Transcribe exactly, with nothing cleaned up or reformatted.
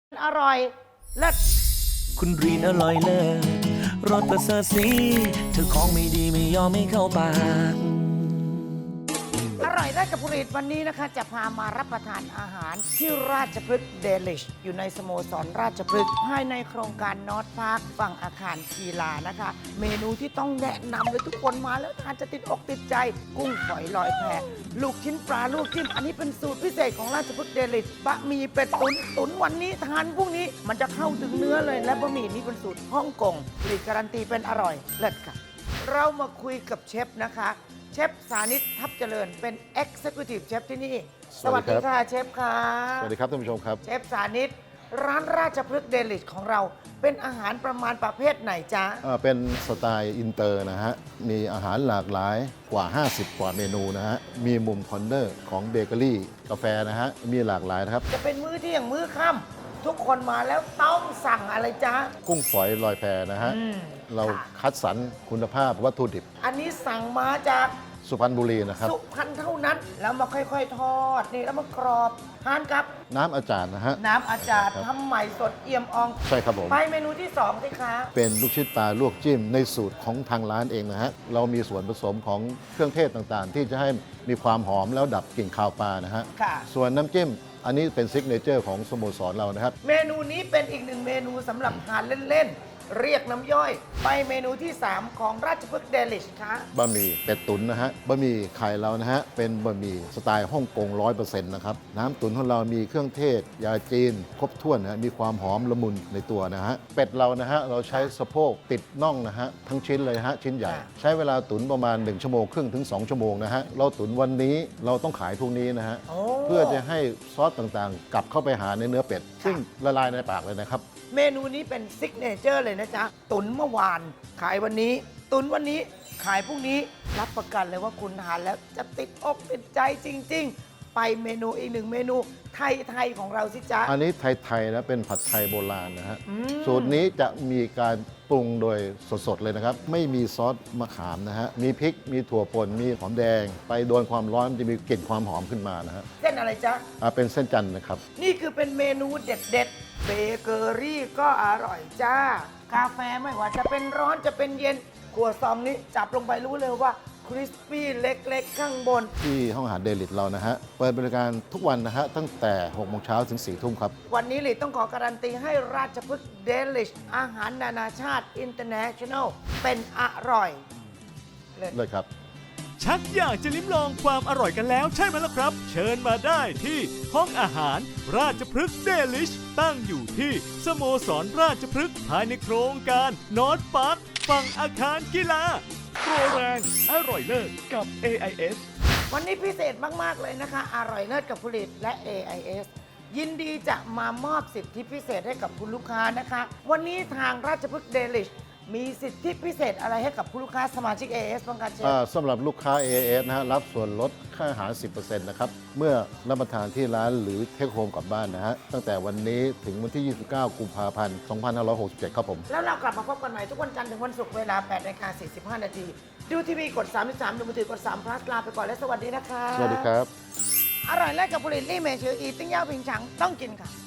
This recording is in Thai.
อร่อยเลิศคุณรีนอร่อยเลิศรสประเสริฐสีเธอของไม่ดีไม่ยอมไม่เข้าปากอร่อยได้กับผลิตวันนี้นะคะจะพามารับประทานอาหารที่ราชพฤกษ์เดลิชอยู่ในสโมสรราชพฤกษ์ภายในโครงการนอร์ทพาร์คฝั่งอาคารกีฬานะคะ เมนูที่ต้องแนะนำเลยทุกคนมาแล้วทานจะติดอกติดใจ กุ้งฝอยลอยแพลูกชิ้นปลาลูกจิ้มอันนี้เป็นสูตรพิเศษของราชพฤกษ์เดลิชบะหมี่เป็ดตุ๋นตุ๋นวันนี้ทานพรุ่งนี้มันจะเข้าถึงเนื้อเลยและบะหมี่นี้เป็นสูตรฮ่องกงผลิตการันตีเป็นอร่อยเลิศค่ะเรามาคุยกับเชฟนะคะเชฟสานิตทับเจริญเป็น Executive Chef ที่นี่สวัสดีค่ะเชฟค่ะสวัสดีครับท่านผู้ชมครับเชฟสานิตร้านราชพฤกษ์เดลิชของเราเป็นอาหารประมาณประเภทไหนจ๊ะเป็นสไตล์อินเตอร์นะฮะมีอาหารหลากหลายกว่าห้าสิบกว่าเมนูนะฮะมีมุมคอนเนอร์ของเบเกอรี่กาแฟนะฮะมีหลากหลายนะครับจะเป็นมื้อเที่ยงมื้อค่ำทุกคนมาแล้วต้องสั่งอะไรจ๊ะกุ้งฝอยลอยแพนะฮะเราคัดสรรคุณภาพวัตถุดิบอันนี้สั่งมาจากสุพรรณบุรีนะครับสุพรรณเท่านั้นแล้วมาค่อยๆทอดนี่แล้วมากรอบทานกับน้ำอาจารย์นะฮะน้ำอาจารย์ทำใหม่สดเอี่ยมอ่องใช่ครับผมไปเมนูที่สองสิคะเป็นลูกชิ้นปลาลวกจิ้มในสูตรของทางร้านเองนะฮะเรามีส่วนผสมของเครื่องเทศต่างๆที่จะให้มีความหอมแล้วดับกลิ่นคาวปลานะฮะส่วนน้ำจิ้มอันนี้เป็นซิกเนเจอร์ของสโมสรเรานะครับเมนูนี้เป็นอีกหนึ่งเมนูสำหรับทานเล่นๆเรียกน้ำย่อยไปเมนูที่สามของราชพฤกษ์เดลิชค่ะบะหมี่เป็ดตุ๋นนะฮะบะหมี่ไข่เรานะฮะเป็นบะหมี่สไตล์ฮ่องกงร้อยเปอร์เซ็นต์นะครับน้ำตุ๋นของเรามีเครื่องเทศยาจีนครบถ้วนนะมีความหอมละมุนในตัวนะฮะเป็ดเรานะฮะเราใช้สะโพกติดน่องนะฮะทั้งชิ้นเลยฮะชิ้นใหญ่ใช้เวลาตุ๋นประมาณหนึ่งชั่วโมงครึ่งถึงสองชั่วโมงนะฮะเราตุ๋นวันนี้เราต้องขายพรุ่งนี้นะฮะเพื่อจะให้ซอสต่างๆกลับเข้าไปหาในเนื้อเป็ดซึ่งละลายในปากเลยนะครับเมนูนี้เป็นซิกเนเจอร์เลยนะจ๊ะตุ๋นเมื่อวานขายวันนี้ตุ๋นวันนี้ขายพรุ่งนี้รับประกันเลยว่าคุณทานแล้วจะติดอกติดใจจริงๆไปเมนูอีกหนึ่งเมนูไทยๆของเราสิจ๊ะอันนี้ไทยๆนะเป็นผัดไทยโบราณนะฮะสูตรนี้จะมีการปรุงโดยสดๆเลยนะครับไม่มีซอสมะขามนะฮะมีพริกมีถั่วป่นมีหอมแดงไปโดนความร้อนมันจะมีกลิ่นความหอมขึ้นมานะฮะเส้นอะไรจ๊ะอ่าเป็นเส้นจันทร์นะครับนี่คือเป็นเมนูเด็ดๆเบเกอรี่ก็อร่อยจ้ากาแฟไม่ว่าจะเป็นร้อนจะเป็นเย็นขวดซองนี้จับลงไปรู้เลยว่าคริสปี้เล็กๆข้างบนที่ห้องอาหารเดลิทเรานะฮะเปิดบริการทุกวันนะฮะตั้งแต่หกโมงเช้าถึงสี่ทุ่มครับวันนี้ลิต้องขอการันตีให้ราชพฤกษ์เดลิชอาหารนานาชาติ International เป็นอร่อยเลยครับชักอยากจะลิ้มลองความอร่อยกันแล้วใช่ไหมล่ะครับเชิญมาได้ที่ห้องอาหารราชพฤกษ์เดลิชตั้งอยู่ที่สโมสรราชพฤกษ์ภายในโครงการนอร์ทพาร์คฝั่งอาคารกีฬาโปรแรงอร่อยเลิศกับ เอ ไอ เอสวันนี้พิเศษมากๆเลยนะคะอร่อยเลิศกับผลิตและ เอ ไอ เอส ยินดีจะมามอบสิทธิพิเศษให้กับคุณลูกค้านะคะวันนี้ทางราชพฤกษ์เดลิชมีสิทธิพิเศษอะไรให้กับผู้ลูกค้าสมาชิก เอ เอส บ้างคะเชฟสำหรับลูกค้า เอ เอส นะฮะรับส่วนลดค่าอาหาร สิบเปอร์เซ็นต์ นะครับเมื่อรับประทานที่ร้านหรือเทคโฮมกลับบ้านนะฮะตั้งแต่วันนี้ถึงวันที่ ยี่สิบเก้า กุมภาพันธ์ สองพันห้าร้อยหกสิบเจ็ด ครับผมแล้วเรากลับมาพบกันใหม่ทุกวันจันทร์ถึงวันศุกร์เวลา แปดนาฬิกาสี่สิบห้า นาทีดูทีวีกดสามสิบสามดูมือถือกดสาม plus ลาไปก่อนและสวัสดีนะคะสวัสดีครับอร่อยและกับผลิตลี่เมชืออีติ้งย่าผิงฉังต้องกินค่ะ